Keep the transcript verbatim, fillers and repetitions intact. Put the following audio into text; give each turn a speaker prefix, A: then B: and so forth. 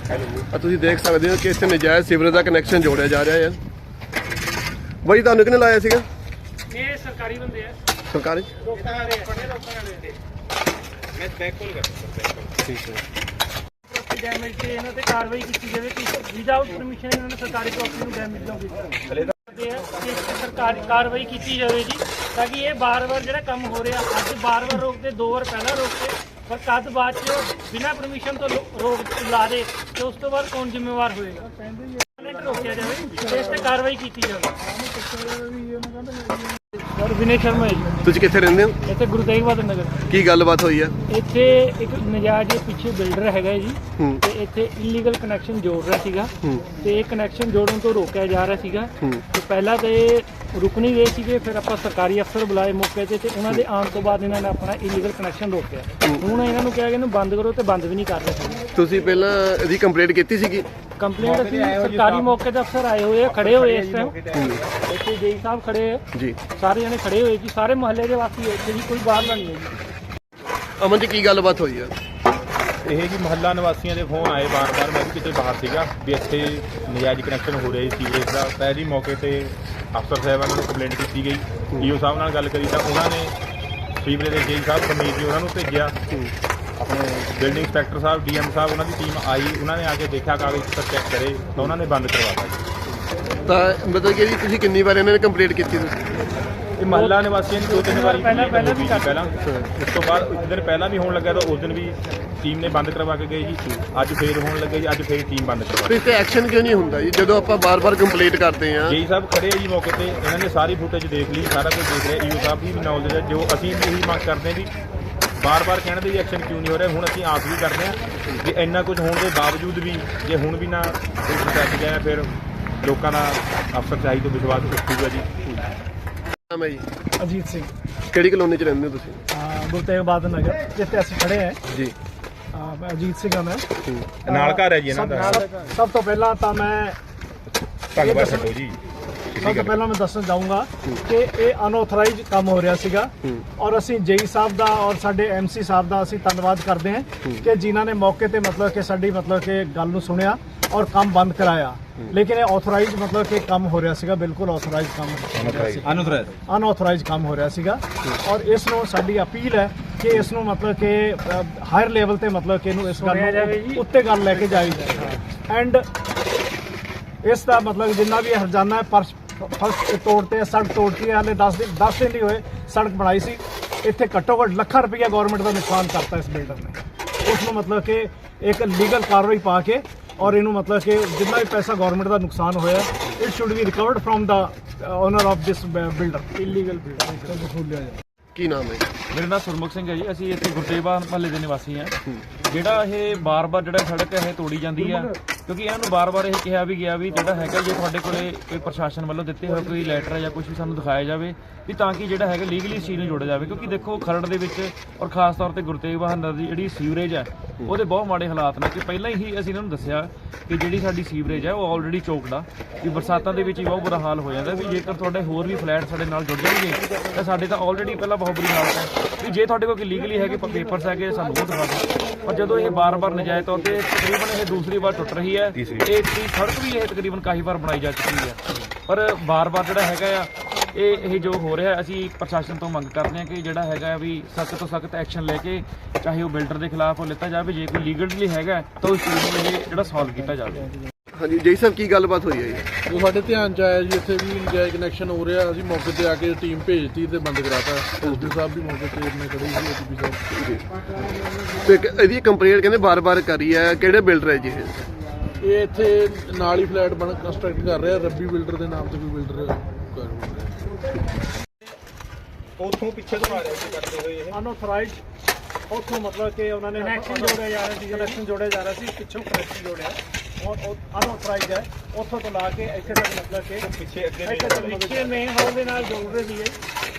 A: ਆ ਤੁਸੀਂ ਦੇਖ ਸਕਦੇ ਹੋ ਕਿ ਇੱਥੇ ਨਜਾਇਜ਼ ਸੀਵਰੇਜ ਦਾ ਕਨੈਕਸ਼ਨ ਜੋੜਿਆ ਜਾ ਰਿਹਾ ਹੈ। ਬਾਈ ਤੁਹਾਨੂੰ ਕਿਹਨੇ ਲਾਇਆ ਸੀਗਾ?
B: ਇਹ ਸਰਕਾਰੀ ਬੰਦੇ ਆ,
A: ਸਰਕਾਰੀ
B: ਲੋਕਾਂ ਵਾਲੇ ਬੜੇ ਲੋਕਾਂ ਵਾਲੇ।
C: ਮੈਂ ਬੈਕ ਕਾਲ ਕਰਦਾ।
A: ਠੀਕ ਹੈ।
B: ਪ੍ਰੋਪਰਟੀ ਡੈਮੇਜ ਤੇ ਇਹਨਾਂ ਤੇ ਕਾਰਵਾਈ ਕੀਤੀ ਜਾਵੇ ਕਿ ਵਿਦਆਊਟ ਪਰਮਿਸ਼ਨ ਇਹਨਾਂ ਨੇ ਸਰਕਾਰੀ ਪ੍ਰੋਪਰਟੀ ਨੂੰ ਡੈਮੇਜ ਨਾ ਕੀਤਾ। ਹਲੇ ਤਾਂ ਇਸ ਤੇ ਸਰਕਾਰੀ ਕਾਰਵਾਈ ਕੀਤੀ ਜਾਵੇ ਜੀ, ਤਾਂ ਕਿ ਇਹ ਬਾਰ-ਬਾਰ ਜਿਹੜਾ ਕੰਮ ਹੋ ਰਿਹਾ, ਅੱਜ ਬਾਰ-ਬਾਰ ਰੋਕਦੇ, ਦੋ ਵਾਰ ਪਹਿਲਾਂ ਰੋਕਦੇ, ਪਰ ਕਦ ਬਾਅਦ 'ਚ ਬਿਨਾਂ ਪਰਮਿਸ਼ਨ ਤੋਂ ਰੋਕ ਲਾ ਦੇ ਤੇ ਉਸ ਤੋਂ ਬਾਅਦ ਕੌਣ ਜ਼ਿੰਮੇਵਾਰ ਹੋਏਗਾ? ਰੋਕਿਆ ਜਾਵੇ ਤੇ ਇਸ ਤੇ ਕਾਰਵਾਈ ਕੀਤੀ ਜਾਵੇ। ਸਰ ਵਿਨੇ ਸ਼ਰਮਾ ਜੀ।
A: ਤੁਸੀਂ ਕਿੱਥੇ ਰਹਿੰਦੇ ਹੋ?
B: ਇੱਥੇ ਗੁਰੂ ਤੇਗ ਬਹਾਦਰ ਨਗਰ।
A: ਕੀ ਗੱਲਬਾਤ ਹੋਈ ਹੈ
B: ਇੱਥੇ ਇੱਕ ਨਜਾਇਜ਼ ਪਿੱਛੇ ਬਿਲਡਰ ਹੈਗਾ ਜੀ, ਤੇ ਇੱਥੇ ਇਲੀਗਲ ਕਨੈਕਸ਼ਨ ਜੋੜ ਰਿਹਾ ਸੀਗਾ, ਤੇ ਇਹ ਕਨੈਕਸ਼ਨ ਜੋੜਨ ਤੋਂ ਰੋਕਿਆ ਜਾ ਰਿਹਾ ਸੀਗਾ। ਤੇ ਪਹਿਲਾਂ ਤਾਂ ਇਹ ਰੁਕ ਨਹੀਂ ਰਹੇ ਸੀਗੇ, ਫਿਰ ਆਪਾਂ ਸਰਕਾਰੀ ਅਫਸਰ ਬੁਲਾਏ ਮੌਕੇ ਤੇ ਤੇ ਉਹਨਾਂ ਦੇ ਆਉਣ ਤੋਂ ਬਾਅਦ ਇਹਨਾਂ ਨੇ ਆਪਣਾ ਇਲੀਗਲ ਕਨੈਕਸ਼ਨ ਰੋਕਿਆ। ਹੁਣ ਇਹਨਾਂ ਨੂੰ ਕਿਹਾ ਕਿ ਇਹਨੂੰ ਬੰਦ ਕਰੋ, ਤੇ ਬੰਦ ਵੀ ਨਹੀਂ ਕਰ ਰਹੇ ਸੀ।
A: ਤੁਸੀਂ ਪਹਿਲਾਂ ਇਹਦੀ ਕੰਪਲੇਂਟ ਕੀਤੀ ਸੀਗੀ?
B: ਕੰਪਲੇਂਟ ਅਸੀਂ ਸਰਕਾਰੀ ਮੌਕੇ ਤੇ ਅਫਸਰ ਆਏ ਹੋਏ ਆ, ਖੜੇ ਹੋਏ ਇਸ ਟਾਈਮ ਇੱਥੇ ਜੇਈ ਸਾਹਿਬ ਖੜੇ ਆ
A: ਜੀ,
B: ਸਾਰੇ ਜਣੇ ਖੜੇ ਹੋਏ ਜੀ, ਸਾਰੇ ਮੁਹੱਲੇ ਦੇ ਵਾਸੀ ਇੱਥੇ ਜੀ, ਕੋਈ ਬਾਹਰਲਾ ਨਹੀਂ ਹੈ ਜੀ।
A: ਅਮਨ ਜੀ ਕੀ ਗੱਲਬਾਤ ਹੋਈ ਹੈ?
C: ਇਹ ਜੀ ਮਹੱਲਾ ਨਿਵਾਸੀਆਂ ਦੇ ਫੋਨ ਆਏ ਬਾਰ-ਬਾਰ, ਮੈਂ ਵੀ ਕਿਤੇ ਬਾਹਰ ਸੀਗਾ, ਵੀ ਇੱਥੇ ਨਜਾਇਜ਼ ਕਨੈਕਸ਼ਨ ਹੋ ਰਿਹਾ ਸੀ ਸੀਵਰੇਜ ਦਾ। ਪਹਿਲੀ ਮੌਕੇ ਤੇ ਅਫਸਰ ਸਾਹਿਬਾਨ ਨੂੰ ਕੰਪਲੇਂਟ ਕੀਤੀ ਗਈ, ਈਓ ਸਾਹਿਬ ਨਾਲ ਗੱਲ ਕਰੀ ਤਾਂ ਉਹਨਾਂ ਨੇ ਸੀਵਰੇਜ ਦੇ ਜੇਈ ਸਾਹਿਬ ਸਮੀਰ ਜੀ ਉਹਨਾਂ ਨੂੰ ਭੇਜਿਆ। ਆਪਣੇ ਬਿਲਡਿੰਗ ਇੰਸਪੈਕਟਰ ਸਾਹਿਬ, ਡੀਐਮ ਸਾਹਿਬ, ਉਹਨਾਂ ਦੀ ਟੀਮ ਆਈ, ਉਹਨਾਂ ਨੇ ਆ ਕੇ ਦੇਖਿਆ, ਕਾਗਜ਼ ਪੱਤਰ ਚੈੱਕ ਕਰੇ ਤਾਂ ਉਹਨਾਂ ਨੇ ਬੰਦ ਕਰਵਾਤਾ ਜੀ।
A: ਤਾਂ ਮਤਲਬ ਕਿ ਜੀ ਤੁਸੀਂ ਕਿੰਨੀ ਵਾਰ ਇਹਨਾਂ ਨੇ ਕੰਪਲੇਂਟ ਕੀਤੀ? ਤੁਸੀਂ
C: ਇਹ ਮਹੱਲਾ ਨਿਵਾਸੀਆਂ ਦੀ ਦੋ ਤਿੰਨ ਵਾਰੀ
B: ਪਹਿਲਾਂ ਪਹਿਲਾਂ ਵੀ
C: ਪਹਿਲਾਂ ਉਸ ਤੋਂ ਬਾਅਦ ਇੱਕ ਦਿਨ ਪਹਿਲਾਂ ਵੀ ਹੋਣ ਲੱਗਾ ਤਾਂ ਉਸ ਦਿਨ ਵੀ ਟੀਮ ਨੇ ਬੰਦ ਕਰਵਾ ਕੇ ਗਏ ਜੀ। ਅੱਜ ਫੇਰ ਹੋਣ ਲੱਗਾ ਜੀ, ਅੱਜ ਫੇਰ ਟੀਮ ਬੰਦ ਕਰਵਾ।
A: ਤੇ ਐਕਸ਼ਨ ਕਿਉਂ ਨਹੀਂ ਹੁੰਦਾ ਜੀ ਜਦੋਂ ਆਪਾਂ ਬਾਰ-ਬਾਰ ਕੰਪਲੇਂਟ ਕਰਦੇ ਹਾਂ?
C: ਜੀ ਸਾਹਿਬ ਖੜੇ ਆ ਜੀ ਮੌਕੇ ਤੇ, ਇਹਨਾਂ ਨੇ ਸਾਰੀ ਫੁਟੇਜ ਦੇਖ ਲਈ, ਸਾਰਾ ਕੁਝ ਦੇਖ ਰਿਹਾ। ਈਓ ਸਾਹਿਬ ਦੀ ਵੀ ਨੌਲੇਜ ਹੈ, ਜੋ ਅਸੀਂ ਇਹੀ ਮੰਗ ਕਰਦੇ ਹਾਂ ਵੀ ਬਾਰ-ਬਾਰ ਕਹਿਣ ਦੇ ਵੀ ਐਕਸ਼ਨ ਕਿਉਂ ਨਹੀਂ ਹੋ ਰਿਹਾ। ਹੁਣ ਅਸੀਂ ਆਸ ਵੀ ਕਰਦੇ ਹਾਂ ਕਿ ਇੰਨਾ ਕੁਝ ਹੋਣ ਦੇ ਬਾਵਜੂਦ ਵੀ ਜੇ ਹੁਣ ਵੀ ਨਾ ਚੱਕ ਗਿਆ ਫਿਰ ਲੋਕਾਂ ਦਾ ਅਫਸਰ ਚਾਹੀ ਤੋਂ ਵਿਸ਼ਵਾਸ ਉੱਠੂਗਾ ਜੀ।
A: ਨਾਮ ਹੈ ਜੀ?
B: ਅਜੀਤ ਸਿੰਘ।
A: ਕਿਹੜੀ ਕਲੋਨੀ 'ਚ ਰਹਿੰਦੇ ਹੋ ਤੁਸੀਂ?
B: ਗੁਰੂ ਤੇਗ ਬਹਾਦਰ ਨਗਰ ਜਿੱਥੇ ਅਸੀਂ ਖੜੇ ਹਾਂ
A: ਜੀ।
B: ਮੈਂ ਅਜੀਤ ਸਿੰਘ ਹਾਂ। ਮੈਂ
C: ਨਾਲ ਘਰ ਹੈ ਜੀ ਇਹਨਾਂ ਦਾ।
B: ਸਭ ਤੋਂ ਪਹਿਲਾਂ ਤਾਂ ਮੈਂ
C: ਧੰਨਵਾਦ ਛੱਡੋ ਜੀ।
B: ਸਭ ਤੋਂ ਪਹਿਲਾਂ ਮੈਂ ਦੱਸਣਾ ਚਾਹੂੰਗਾ ਕਿ ਇਹ ਅਨਆਥੋਰਾਈਜ਼ ਕੰਮ ਹੋ ਰਿਹਾ ਸੀਗਾ, ਔਰ ਅਸੀਂ ਜੇਈ ਸਾਹਿਬ ਦਾ ਔਰ ਸਾਡੇ ਐਮਸੀ ਸਾਹਿਬ ਦਾ ਅਸੀਂ ਧੰਨਵਾਦ ਕਰਦੇ ਹਾਂ ਕਿ ਜਿਨ੍ਹਾਂ ਨੇ ਮੌਕੇ ਤੇ ਮਤਲਬ ਕਿ ਸਾਡੀ ਮਤਲਬ ਕਿ ਗੱਲ ਨੂੰ ਸੁਣਿਆ ਔਰ ਕੰਮ ਬੰਦ ਕਰਾਇਆ। ਲੇਕਿਨ ਇਹ ਆਥੋਰਾਈਜ਼ ਮਤਲਬ ਕਿ ਕੰਮ ਹੋ ਰਿਹਾ ਸੀਗਾ, ਬਿਲਕੁਲ ਆਥੋਰਾਈਜ਼ ਕੰਮ ਅਨਆਥੋਰਾਈਜ਼ ਅਨਆਥੋਰਾਈਜ਼ ਕੰਮ ਹੋ ਰਿਹਾ ਸੀਗਾ। ਔਰ ਇਸ ਨੂੰ ਸਾਡੀ ਅਪੀਲ ਹੈ ਕਿ ਇਸ ਨੂੰ ਮਤਲਬ ਕਿ ਹਾਇਰ ਲੈਵਲ ਤੇ ਮਤਲਬ ਕਿ ਇਹਨੂੰ ਇਸ ਗੱਲ ਨੂੰ ਉੱਤੇ ਗੱਲ ਲੈ ਕੇ ਜਾਈ ਜਾਏ। ਐਂਡ ਇਸ ਦਾ ਮਤਲਬ ਜਿੰਨਾ ਵੀ ਹਰਜਾਨਾ ਹੈ, ਪਰ ਫਸਟ ਤੋੜਤੇ, ਸੜਕ ਤੋੜਤੀ ਹੈ, ਹਾਲੇ ਦਸ ਦਿਨ ਦਸ ਦਿਨ ਨਹੀਂ ਹੋਏ ਸੜਕ ਬਣਾਈ ਸੀ। ਇੱਥੇ ਘੱਟੋ ਘੱਟ ਲੱਖਾਂ ਰੁਪਈਆ ਗਵਰਨਮੈਂਟ ਦਾ ਨੁਕਸਾਨ ਕਰਤਾ ਇਸ ਬਿਲਡਰ ਨੇ। ਉਸ ਨੂੰ ਮਤਲਬ ਕਿ ਇੱਕ ਲੀਗਲ ਕਾਰਵਾਈ ਪਾ ਕੇ ਔਰ ਇਹਨੂੰ ਮਤਲਬ ਕਿ ਜਿੰਨਾ ਵੀ ਪੈਸਾ ਗਵਰਨਮੈਂਟ ਦਾ ਨੁਕਸਾਨ ਹੋਇਆ, it should be recovered from the owner of this builder, illegal builder.
A: ਕੀ ਨਾਮ ਹੈ?
D: ਮੇਰਾ ਨਾਮ ਸੁਰਮੁਖ ਸਿੰਘ ਹੈ ਜੀ। ਅਸੀਂ ਇੱਥੇ ਗੁਰੂ ਤੇਗ ਬਹਾਦਰ ਮਹੱਲੇ ਦੇ ਨਿਵਾਸੀ ਹਾਂ। ਜਿਹੜਾ ਇਹ ਬਾਰ-ਬਾਰ ਜਿਹੜਾ ਸੜਕ ਇਹ ਤੋੜੀ ਜਾਂਦੀ ਆ, ਕਿਉਂਕਿ ਇਹਨਾਂ ਨੂੰ ਬਾਰ-ਬਾਰ ਇਹ ਕਿਹਾ ਵੀ ਗਿਆ ਵੀ ਜਿਹੜਾ ਹੈਗਾ ਜੇ ਤੁਹਾਡੇ ਕੋਲੇ ਕੋਈ ਪ੍ਰਸ਼ਾਸਨ ਵੱਲੋਂ ਦਿੱਤੇ ਹੋਏ ਕੋਈ ਲੈਟਰ ਜਾਂ ਕੁਝ ਵੀ ਸਾਨੂੰ ਦਿਖਾਇਆ ਜਾਵੇ ਵੀ ਤਾਂ ਕਿ ਜਿਹੜਾ ਹੈਗਾ ਲੀਗਲੀ ਇਸ ਚੀਜ਼ ਨੂੰ ਜੋੜਿਆ ਜਾਵੇ। ਕਿਉਂਕਿ ਦੇਖੋ ਖਰੜ ਦੇ ਵਿੱਚ ਔਰ ਖਾਸ ਤੌਰ ਤੇ ਗੁਰੂ ਤੇਗ ਬਹਾਦਰ ਦੀ ਜਿਹੜੀ ਸੀਵਰੇਜ ਹੈ ਉਹਦੇ ਬਹੁਤ ਮਾੜੇ ਹਾਲਾਤ ਨੇ। ਕਿ ਪਹਿਲਾਂ ਹੀ ਅਸੀਂ ਇਹਨਾਂ ਨੂੰ ਦੱਸਿਆ ਕਿ ਜਿਹੜੀ ਸਾਡੀ ਸੀਵਰੇਜ ਹੈ ਉਹ ਆਲਰੇਡੀ ਚੋਕਡ ਆ, ਵੀ ਬਰਸਾਤਾਂ ਦੇ ਵਿੱਚ ਹੀ ਬਹੁਤ ਬੁਰਾ ਹਾਲ ਹੋ ਜਾਂਦਾ। ਵੀ ਜੇਕਰ ਤੁਹਾਡੇ ਹੋਰ ਵੀ ਫਲੈਟ ਸਾਡੇ ਨਾਲ ਜੁੜ ਜਾਣਗੇ ਤਾਂ ਸਾਡੇ ਤਾਂ ਆਲਰੇਡੀ ਪਹਿਲਾਂ ਬਹੁਤ ਬੁਰੀ ਹਾਲਤ ਹੈ। ਵੀ ਜੇ ਤੁਹਾਡੇ ਕੋਲ ਲੀਗਲੀ ਹੈਗੇ ਪੇਪਰਸ ਹੈਗੇ ਸਾਨੂੰ ਉਹ ਦਿਖਾ ਦਿਓ। ਪਰ ਜਦੋਂ ਇਹ ਬਾਰ-ਬਾਰ ਨਜਾਇਜ਼ ਤੌਰ ਤੇ ਤਕਰੀਬਨ ਇਹ ਦੂਸਰੀ ਵਾਰ ਟੁੱਟ ਰਹੀ ਹੈ, ਇਹ ਸੜਕ ਵੀ ਇਹ ਤਕਰੀਬਨ ਕਾਫੀ ਵਾਰ ਬਣਾਈ ਜਾ ਚੁੱਕੀ ਹੈ, ਪਰ ਬਾਰ-ਬਾਰ ਜਿਹੜਾ ਹੈਗਾ ਆ ਇਹ ਇਹ ਜੋ ਹੋ ਰਿਹਾ, ਅਸੀਂ ਪ੍ਰਸ਼ਾਸਨ ਤੋਂ ਮੰਗ ਕਰਦੇ ਹਾਂ ਕਿ ਜਿਹੜਾ ਹੈਗਾ ਵੀ ਸਖਤ ਤੋਂ ਸਖਤ ਐਕਸ਼ਨ ਲੈ ਕੇ ਚਾਹੇ ਉਹ ਬਿਲਡਰ ਦੇ ਖਿਲਾਫ ਉਹ ਲਿੱਤਾ ਜਾਵੇ, ਜੇ ਕੋਈ ਲੀਗਲੀ ਹੈਗਾ ਤਾਂ ਉਸ ਚੀਜ਼ ਨੂੰ ਇਹ ਜਿਹੜਾ ਸੋਲਵ ਕੀਤਾ ਜਾਵੇ।
A: ਹਾਂਜੀ ਜੇਈ ਸਾਹਿਬ ਕੀ ਗੱਲਬਾਤ ਹੋਈ ਹੈ ਜੀ?
E: ਜੋ ਸਾਡੇ ਧਿਆਨ 'ਚ ਆਇਆ ਜੀ ਇੱਥੇ ਵੀ ਨਜਾਇਜ਼ ਕਨੈਕਸ਼ਨ ਹੋ ਰਿਹਾ, ਅਸੀਂ ਮੌਕੇ ਤੇ ਆ ਕੇ ਟੀਮ ਭੇਜਤੀ ਤੇ ਬੰਦ ਕਰਾਤਾ। ਐਸਡੀ ਸਾਹਿਬ ਵੀ ਮੌਕੇ ਤੇ ਆਪਣੇ ਖੜੇ ਸੀ, ਏਡੀਪੀ ਸਾਹਿਬ ਜੀ।
A: ਤੇ ਇਹਦੀ ਕੰਪਲੇਂਟ ਕਹਿੰਦੇ ਬਾਰ-ਬਾਰ ਕਰੀ ਹੈ, ਕਿਹੜੇ ਬਿਲਡਰ ਹੈ ਜੀ ਇਹ?
E: ਇਹ ਇੱਥੇ ਨਾਲ ਹੀ ਫਲੈਟ ਬਣ ਕੰਸਟਰਕਟ ਕਰ ਰਿਹਾ, ਰੱਬੀ ਬਿਲਡਰ ਦੇ ਨਾਮ ਤੇ ਕੋਈ ਬਿਲਡਰ ਕਰ ਰਿਹਾ।
C: ਉੱਥੋਂ ਪਿੱਛੇ ਤੋਂ ਆ ਰਿਹਾ ਸੀ ਕਰਦੇ ਹੋਏ ਇਹ
B: ਅਨਆਥੋਰਾਈਜ਼ ਉੱਥੋਂ ਮਤਲਬ ਕਿ ਉਹਨਾਂ ਨੇ ਕਨੈਕਸ਼ਨ ਜੋੜਿਆ ਜਾ ਰਿਹਾ ਸੀ, ਕਨੈਕਸ਼ਨ ਜੋੜਿਆ ਜਾ ਰਿਹਾ ਸੀ, ਪਿੱਛੋਂ ਕਨੈਕਸ਼ਨ ਜੋੜਿਆ ਔਰ ਅਨਆਥੋਰਾਈਜ਼ ਹੈ। ਉੱਥੋਂ ਤੋਂ ਲਾ ਕੇ ਇੱਥੇ ਤੱਕ ਮਤਲਬ ਕਿ
C: ਪਿੱਛੇ ਅੱਗੇ
B: ਪਿੱਛੇ ਮੇਨ ਹਾਲ ਦੇ ਨਾਲ ਜੋੜ ਰਹੇ ਸੀਗੇ।